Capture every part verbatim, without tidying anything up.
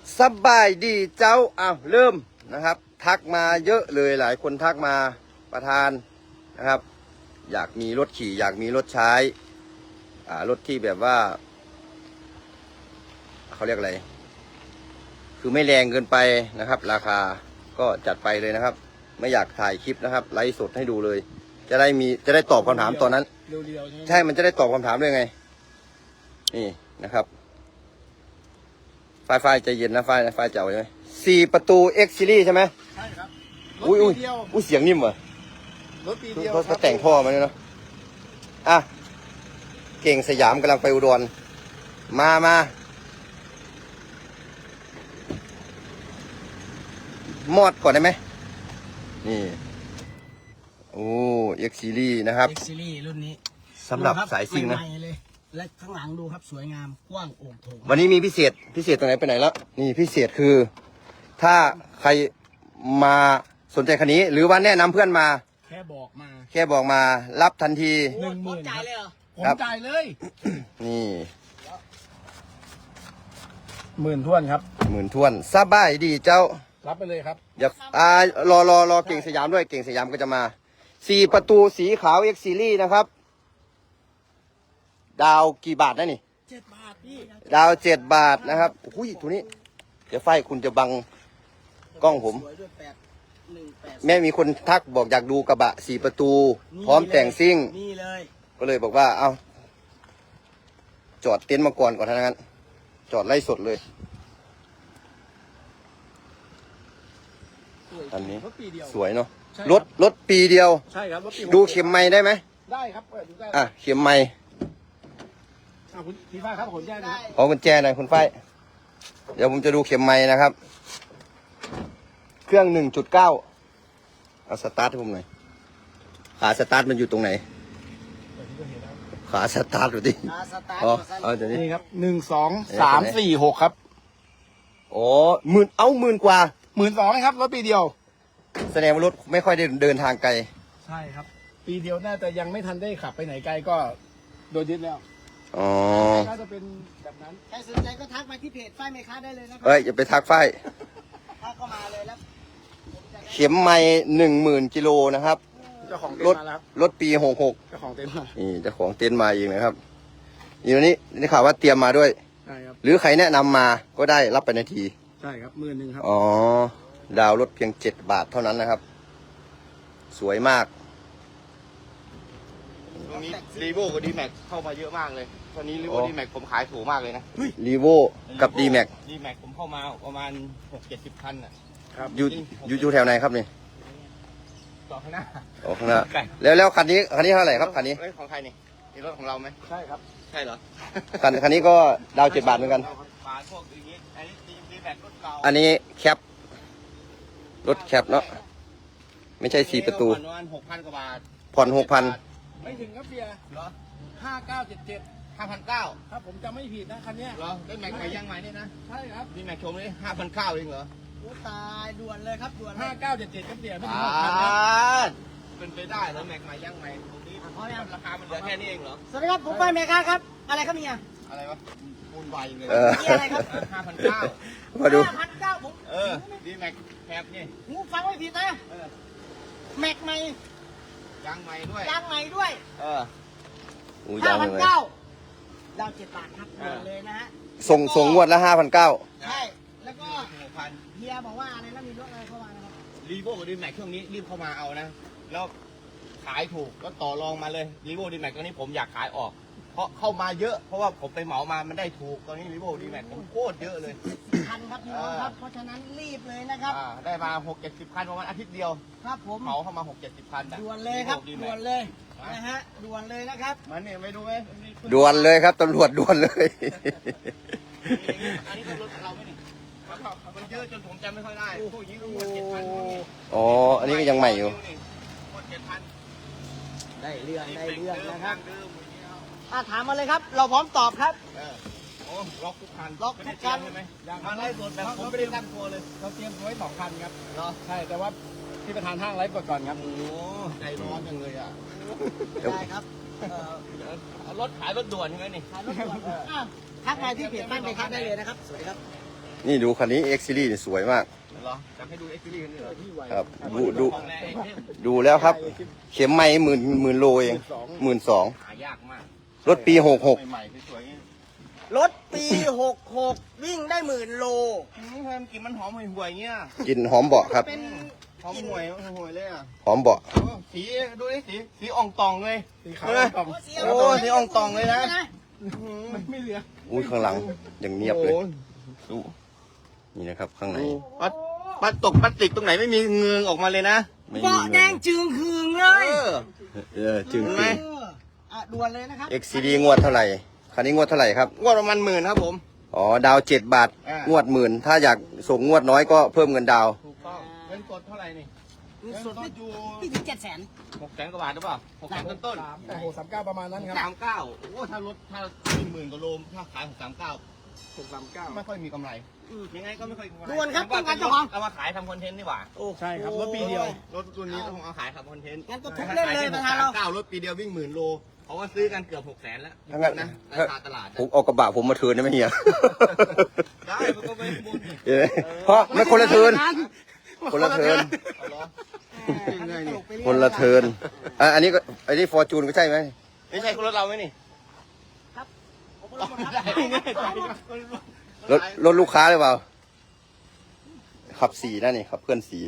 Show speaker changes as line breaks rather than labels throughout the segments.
สบายดีเจ้าอ้าวเริ่มนะครับทักมาเยอะเลยหลายคนทักมาประธานนะครับ อยากมีรถขี่อยากมีรถใช้อ่ารถที่แบบว่าเขาเรียกอะไรคือไม่แรงเกินไปนะครับราคาก็จัดไปเลยนะครับไม่อยากถ่ายคลิปนะครับไลฟ์สดให้ดูเลยจะได้มีจะได้ตอบคำถามตอนนั้นใช่มันจะได้ตอบคำถามด้วยไงนี่นะครับไฟไฟใจเย็นนะไฟนะไฟเจ๋าใช่ไหมสี่ประตู X Series ใช่ไหม
ใช่ครับรถ
อุ้ย
ปี
อุ้ย
เดียว
อุ้ยเสียงนิ่มว่ะ
รถปีเดียว
เขาเขาแต่งท่อมาเนี่ยเนาะอ่ะเก่งสยามกำลังไปอุดรมามามอดก่อนได้ไหมนี่โอ้ X Series นะครับ
X Series รุ่นนี้
สำหรับ
ดูค
สายซิ่งนะ
ใหม่ๆเลยและข้างหลังดูครับสวยงามกว้างโอ่งโถง
วันนี้มีพิเศษพิเศษตรงไหนไปไหนแล้วนี่พิเศษคือ ถ้าใครมาสนใจคันนี้ หรือว่าแนะนำเพื่อนมา
แค่บอกมา
แค่บอกมารับทันที
หนึ่งหมื่นจ่ายเลยเหรอ
ผม
ครับ
จ่ายเลย
นี่
หมื่นท้วนครับ
หมื่นทวนสบายดีเจ้า
รับไปเลยครับ
อย่าอ่ารอรอรอเก่งสยามด้วยเก่งสยามก็จะมาสี่ประตูสีขาว X Series นะครับ ดาวกี่บาทนะนี่
เจ็ดบาทพี่
ดาวเจ็ดบาทนะครับอุ้ยตัวนี้ เดี๋ยวไฟคุณจะบังกล้องผม
สวยด้วยแปดหนึ่งแปด
แม่มีคนทักบอกอยากดูกระบะสี่ประตู พร้อมแต่งซิ่ง
นี่เลย
ก็เลยบอกว่าเอาจอดเต็นท์มาก่อนก่อนทั้งนั้น จอดไล่สดเลย อันนี้
รถปีเดียว
สวยเนาะ
ใช่
รถรถปีเดียว
ใช่ครับรถปี
ดูเข็มไม้ได้ไหม
ได้ครับเปิดดูได้
อ่ะเข็มไม้
อ่ะคุณพี่ฟ้าครับขนแจ้งนะ
ขอกุญแจหน่อยคุณฝ้ายเดี๋ยวผมจะดูเข็มไม้นะครับ เครื่องหนึ่งจุดเก้าเอาสตาร์ทให้ผมหน่อยขาสตาร์ทมันอยู่ตรงไหนขาสตาร์ทดูดิ
อาสตาร์ท
อ๋อ
สั้น
เอาเดี๋ยวนี้
นี่ครับหนึ่งสองสามสี่หกครับ
อ๋อหมื่นเอาหมื่นกว่า
หมื่นสองครับรถปีเดียว
แสดงว่ารถไม่ค่อยได้เดินทางไกล
ใช่ครับ ปีเดียวน่าจะยังไม่ทันได้ขับไปไหนไกลก็โดนยึดแล้ว
อ๋อ
น่าจะเป็นแบบนั้น
ใครสนใจก็ทักมาที่เพจฝ้ายเมค้าได้เลยนะครั
เอ้ยอย่าไปทักฝ้าย
ทักก็มาเลยแล้วผมจะได้
เข็มไม้หนึ่งหมื่นกิโลนะครับ
เจ้าของเต็น
รถ
ท์มาแล้วครับ
รถปีหกหก
เจ้าของเต็นท์มา
นี่เจ้าของเต็นท์มาเองนะครับนี่วันนี้ได้ข่าวว่าเตรียมมาด้วย
ใช่ครับ
หรือใครแนะนำมาก็ได้รับไปนาที
ใช่ครับหมื่นหนึ่งครับ
อ๋อ ดาวรถเพียงเจ็ดบาทเท่านั้นนะครับ สวยมาก
ตรงนี้รีโวกับดีแม็กเข้ามาเยอะมากเลย ตอนนี้รีโว
อ๋อ
ดีแม็กผมขายถูกมากเลยนะ
รีโวกับ D Max
ดีแม็กผมเข้ามาประมาณหกเจ็ดสิบคันอ่ะ
ครับ
อยู่อยู่อยู่แถวไหนครับนี่
ต่อข้างหน้า
ออกข้างหน้าแล้วแล้วคันนี้คันนี้เท่าไหร่ครับคันนี้
เอ้ยของใครนี่นี่รถของเราไหม
ใช่ครับ
ใช่เหรอ
คันคันนี้ก็ดาวเจ็ดบาทเหมือนกัน
ฝาพวกอย่างนี้อันนี้ดีแม็กรถเก่า
อันนี้แคป รถแคปเนาะ ไม่ใช่สี่ประตู
ผ่อนประมาณหกพันกว่าบาท
ผ่อนหกพัน
ไม่ถึงครับเบียร์
เหรอ
ห้าเก้าเจ็ดเจ็ด
ห้าพันเก้า
ครับผมจำไม่ผิดนะคันเนี้ย
เหรอได้แม็กใหม่ยังใหม่นี่นะ
ใช่ครับ
ดีแม็กชมเลยห้าพันเก้าเองเหรอ
โอ้ตายด่วนเลยครับด่วนเล
ห้าย เก้าเจ็ดเจ็ดครับเบียร์ไม่ถึง
อ่า
หกพันนะ
เป็นไปได้แล้วแม็กใหม่ยังใหม่ตรงนี้ราคามันเหลือแค่นี้เองเหรอ
สวัสดีครับผมฝ้ายเมค้าครับ อะไรครับเนี่ย
อะไรวะมูลไวเลย
เออ
นี่อะไรครับ
ห้าพันเก้า
มาดู
ห้าพันเก้าผม
เออดีแม็กแคปนี่
หูฟังไม่ผิดนะ
เออ
แม็กใหม่
ยางใหม่ด้วย
ยางใหม่ด้วย
เออ
อู้
ห้าย
าว
พัน
เลย
เก้าดาวเจ็ดบาทครับ
เออ
เลยนะฮะ
ส่งส่งงวดละห้าพันเก้า
ใช่ แล้วก็
หกพัน
เฮียบอกว่าอะไรนะมีรถอะไรเข้ามานะครับ
รีโวกับดีแม็กช่วงนี้รีบเข้ามาเอานะ แล้วขายถูกก็ต่อรองมาเลยรีโวดีแม็กตอนนี้ผมอยากขายออก เพราะเข้ามาเยอะเพราะว่าผมไปเหมามามันได้ถูกตอนนี้รีโวดีแม็กผมโคตรเยอะเลย
คันครับพี่น้องครับ เพราะฉะนั้นรีบเลยนะครับ
อ่าได้มาหกเจ็ดสิบคันประมาณอาทิตย์เดียว
ครับผม
เหมาเข้ามาหกเจ็ดสิบคัน
ด่วนเลยครับ
ดี
ด่
แม็
ว
ก
นเลยนะฮะด่วนเลยนะครับ
มันเนี่ยไปดูไหม
ด่วนเลยครับตำรวจด่วนเลย
อันนี้ก็รถของเราไหมนี่มันเยอะจนผมจำไม่ค่อยได้พวกนี้ก็หมดเจ็ดพัน
อ๋อ อันนี้ก็ยังใหม่อยู่
หมดเจ็ดพัน
ได้เรื่องได้เรื่องนะครับ
เดิมอย่างเงี้ย
อ่ะถามมาเลยครับ เราพร้อมตอบครับ
เออโอ้ล็อกทุกคัน
ล็อกทุกคัน
ใช่ไหมมาไล่สดแบบผมไม่ได้ตั้งตัวเลย
เราเตรียมไว้สองคันครับ
เนาะ
ใช่แต่ว่าที่ประธานห้างไลฟ์ก่อนครับ
โอ้ใจร้อนจังเลยอ่ะ
ได้ครับเอ่อ
รถขายรถด่วนใช่ไหมนี่
ขายรถด่วนอ่ะทักมาที่เพจบ้านไปครับได้เลยนะครับ สวัสดีครับ
นี่ดูคันนี้ X Series นี่สวยมาก
เหรอจะให้ดูเอ็กซ์ซีรีส์กันเหรอ
ครับดูดู
ของแรงไอเทม
ดูแล้วครับ เข็มไม้หมื่นหมื่นโลเองหมื่นสอง
หายากมาก
รถปีหกหก
ใหม่ๆสวยๆอย่างนี้
รถปีหกหกวิ่งได้หมื่นโล
อืมทำไมมันกลิ่นมันหอมห่วยๆอย่างเงี้ย
กลิ่นหอมเบาะครับ
เป็น
หอมห่วยห่วยเลยอ่ะ
หอมเบาะ
โอ้สีดูดิสีสีอ่องตองเลย
สีขาว
เออ
ตอง
โอ้สีอ่องตองเลยนะ
มันไม่เหลือ
อุ้ยข้างหลังอย่างเนียบเลย
โอ้โห
นี่นะครับข้างใน
ปัดปัดตกพลาสติกตรงไหนไม่มีเงืองออกมาเลยนะ
ไม่มี
เบาะแดงจึงคืงเล
เอย อ
เออจึง
เห็นไหม
จริง
เอออ่ะด่วนเลยนะครับ
X Series งวดเท่าไหร่คันนี้งวดเท่าไหร่ครับ
งวดประมาณหมื่นครับผม
อ๋อดาวเจ็ดบาท
อ่าง
งวดหมื่นถ้าอยากส่งงวดน้อยก็เพิ่มเงินดาว
ถูกต้องเงินสดเท่าไหร่นี่
เงินสด
เงิ
ไม่
นสดอยู่
ไม่ถึงเจ็ดแสน
หกแสนกว่าบาทหรือเปล่าหกแสนต้นต้น
สามโอ้โหสามเก้าประมาณนั้นครับ
สามเก้าโอ้ถ้ารถถ้าหมื่นกว่าโลถ้าขายหกสามเก้า
หกสามเก้า
ไม่ค่อยมีกำไรยังไงก็ไม่ค่อยมีกำไร
ด่วนครับ
ว่า
ต้องการเจ้าของ
เอามาขายทำคอนเทนต์ดีกว่า
ใช่ครับรถปีเดียว
รถตัวนี้ต้องเอาขายทำคอนเทนต์
งั้นก็ทุบเล่นเลยประธานเรา
เก้ารถปีเดียววิ่งหมื่นโลเพราะว่าซื้อกันเกือบหกแสนแล้ว
ถ้างั้น
นะราคาตลาด
ผมเอากระบะผมมาเทิร์นได้ไหมเฮีย
ได้มันก็ไม่บุญ
เห็นไหมเพราะไม่คนละเทิร์นคนละเทิร์น
เอาเหรอ
ไงนี่
คนละเทิร์นอ่ะอันนี้ก็อันนี้ฟอร์จูนก็ใช่ไหม
ไม่ใช่รถเราไหมนี่
ครับผม
เอา
ไม่
ไม่
ได้
ได้
ครับ
รถรถลูกค้าหรือเปล่าขับสีนะนี่ขับเพื่อนสี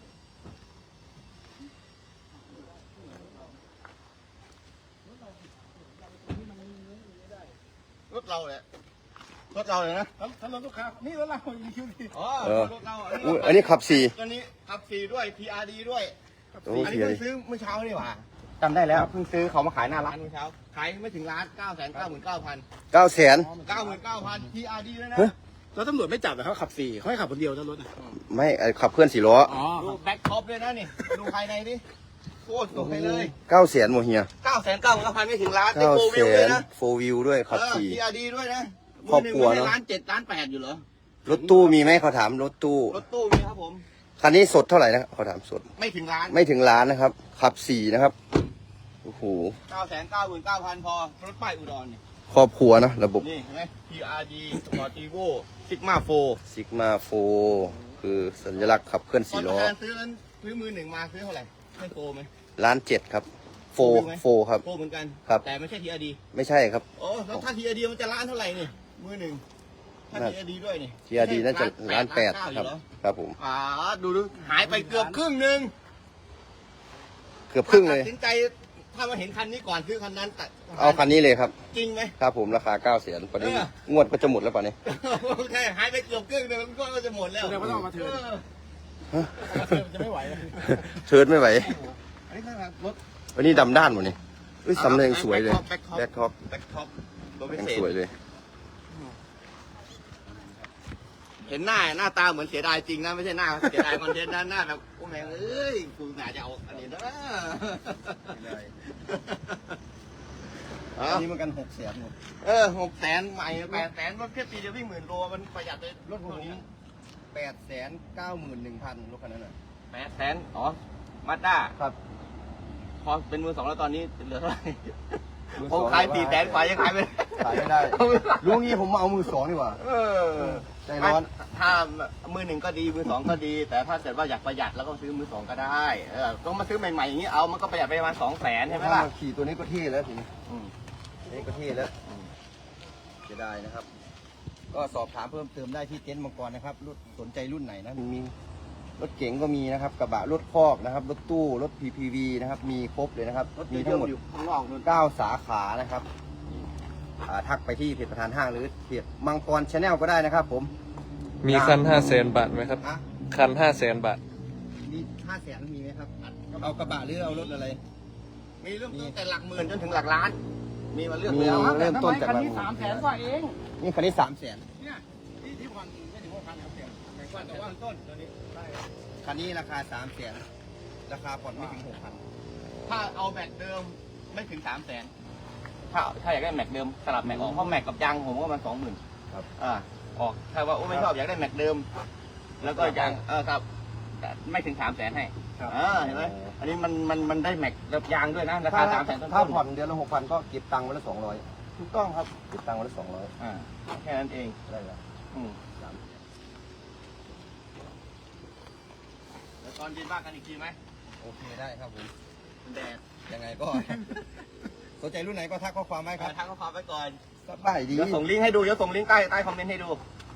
รถเราแหละรถเราเลยนะ
ถ้ารถลูกค้านี่รถเราอีคิวดี
อ๋อ
เออ
รถเรา
อุ้ยอันนี้ขับสี
ตัวนี้ขับสี่ด้วย พี อาร์ ดี ด้วย
โอ้
อัน
สี
นี้
อะไร
เพิ่งซื้อเมื่อเช้านี่หว่าจำได้แล้วเพิ่งซื้อเขามาขายหน้าร้านเมื่อเช้าขายไม่ถึงล้านเก้าแสนเก้าหมื่นเก้าพัน
เก้าแสน
เก้าหมื่นเก้าพัน พี อาร์ ดี ด้วยนะ
เฮ้ย
แล้วตำรวจไม่จับเหรอเขาขับสี่เขาให้ขับคนเดียวนะรถน่ะ
ไม่ไอ้ขับเพื่อนสี่ล้อ
อ๋อ
ดูแบ็คท็อปด้วยนะนี่ดูภายในดิโคตรสวยเลย
เก้าแสนโมเฮีย
เก้าแสนเก้าหมื่นเก้าพันไม่ถึงล้านได้
เก้า
โฟ
แส
วิวเลย
น
นะ
โฟวิวด้วยขับสี
พี อาร์ ดี ด้วยนะ
ครอบครัวเนอะ
ล้านเจ็ดล้านแปดอยู่เหรอ
รถตู้มีไหมเขาถามรถตู้
รถตู้มีครับผม
คันนี้สดเท่าไหร่นะเขาถามสด
ไม่ถึงล้าน
ไม่ถึงล้านนะครับ ขับสี่นะครับโอ้โห
เก้าแสนเก้าหมื่นเก้าพันพอรถป้ายอุดรนี่
ครอบครัวนะระบบ
นี่เห็นไหม พี อาร์ ดี Sportivo Sigma โฟ
ซิกมาโฟคือสัญลักษณ์ขับเคลื่อน
ตอน
สี่
ป
ล้
ระ
อ
ธานซื้อนั้นซื้อมือหนึ่งมาซื้อเท่าไหร่ให้โฟไหม
ล้านเจ็ดครับโฟ
โฟวิวไหม
โฟครับ
โฟเหมือนกัน
ครับ
แต่ไม่ใช่ ที อาร์ ดี
ไม่ใช่ครับ
โอ้แล้วถ้า ที อาร์ ดี มันจะล้านเท่าไหร่นี่มือหนึ่งถ้า
น่า
ที อาร์ ดี ด้วยนี่
ทีอาร์ดีน่าจะล้านแปด
เก้
ครับ
อยู่เหอ
ครับผม
อ่าดูดูหายไปเกือบครึ่งหนึ่ง
เกือบครึ่งเลย
ตัดสินใจถ้ามาเห็นคันนี้ก่อนซื้อคันนั้นตัด
เอาคันนี้เลยครับ
จริงไหม
ครับผมราคาเก้าแสนตอนนี้
เออ
งวดก็จะหมดแล้วป่ะนี้
โอเคหายไปเกือบครึ่งหนึ่งก็จะหมดแล้ว
แสดงว่าต้องเอามาเทิร์น
ออ
เอามาเทิร์นมันจะไม่ไหวแล้ว
เทิร์นไม่ไหว
อันนี้คือรถ
วันนี้ดำด้านหมดนี่เอ้ยสำเร็จสวยเลย
แบ็คท็อป
แบ็คท็อป
แบ็คท็อปตัวพิ
ยัง
เศษ
สวยเลย
เห็นหน้าหน้าตาเหมือนเสียดายจริงนะไม่ใช่หน้าเสียดายคอนเทนต์นะหน้าแบบโอ้แม่งเอ้ยกูน่าจะเอาอันนี้นะ
อันนี้มันกันหกแสนหมด
เออหกแสนใหม่แปดแสนรถแค่ปีเดียววิ่งหมื่นโลมันประหยัดเลยรถพวกนี้
แปดแสนเก้าหมื่นหนึ่งพันรถคันนั้นน่ะ
แปดแสนอ๋อมาด้า
ครับ
พอเป็นมือสองแล้วตอนนี้เหลือเท่าไหร่
มือส
ผ
อง
มขายสี่แสนกว่ายังขายไม่ได้
ขายไม่ได้รู้งี้ผมมาเอามือสองดีกว่า
เออ
ใจร้อน
ถ้ามือหนึ่งก็ดีมือสองก็ดี แต่ถ้าเกิดว่าอยากประหยัดแล้วก็ซื้อมือสองก็ได้เออต้องมาซื้อใหม่ๆอย่างนี้เอามันก็ประหยัดไปประมาณสองแสนใช่ไหมล่ะ
ถ้าาขี่ตัวนี้ก็เท่แล้วทีนี้
อืม
นี่ก็เท่แล้วจะได้นะครับ ก็สอบถามเพิ่มเติมได้ที่เต็นท์มังกรนะครับรุ่นสนใจรุ่นไหนนะมีรถเก๋งก็มีนะครับ กระบะรถคอกนะครับ รถตู้รถ พี พี วี นะครับ มีครบเลยนะครับ
รถ
มี
เย
ทั้ง
อะ
หมด
ๆอยู่ข้างนอกนู่น
เก้าสาขานะครับอ่าทักไปที่เพจประธานห้างหรือเพจมังกรชาแนลก็ได้นะครับ ผม
มีคันห้าแสนบาทไหมครับ
อ่ะ
คันห้าแสนบาท
มีห้าแสนมีไหมครับเอากระบะหรือเอารถอะไร
มีเริ่มต้นแต่หลักหมื่นจนถึงหลักล้าน มีมาเลือก
มี
แล้ว
เริ่มต้นจาก
คันนี้สามแสนกว่าเอง
นี่คันนี้สามแสน
เนี่ยที่ที่ผ่อนไม่ถึงหกพันครับเสียแต่ว่าแต่ว่า
ต้นตัวนี้
คันนี้ราคาสามแสนราคาผ่อนไม่ถึงหกพัน
ถ้าเอาแม็กเดิมไม่ถึงสามแสนถ้าถ้าอยากได้แม็กเดิมสลับแม็กออกเพราะแม็กกับยางผมก็มันสองหมื่น
ครับ
อ่าออกถ้าว่าโอ้ไม่ชอบอยากได้แม็กเดิม แล้วก็ยางเออครับแต่ไม่ถึงสามแสนให้อ่าเห็นไหมอันนี้มันมันมันได้แม็กกับยางด้วยนะราคาสามแสนต้นๆ
ถ้าผ่อนเดือนละหกพันก็เก็บตังค์วันละสองร้อย
ถูกต้องครับ
เก็บตังค์วันละสองร้อย
อ่าแค่นั้นเอง
ได้แล้ว
อืมตอนเย็นว่ากันอีกทีไหม
โอเคได้ครับผม
แดด
ยังไงก็ สนใจรุ่นไหนก็ทักข้อความไว้ครับ
ทักข้อความไว้ก่อน
สบายดี
เดี๋ยวส่งลิงก์ให้ดูเดี๋ยวส่งลิงก์ใต้ใต้คอมเมนต์ให้ดู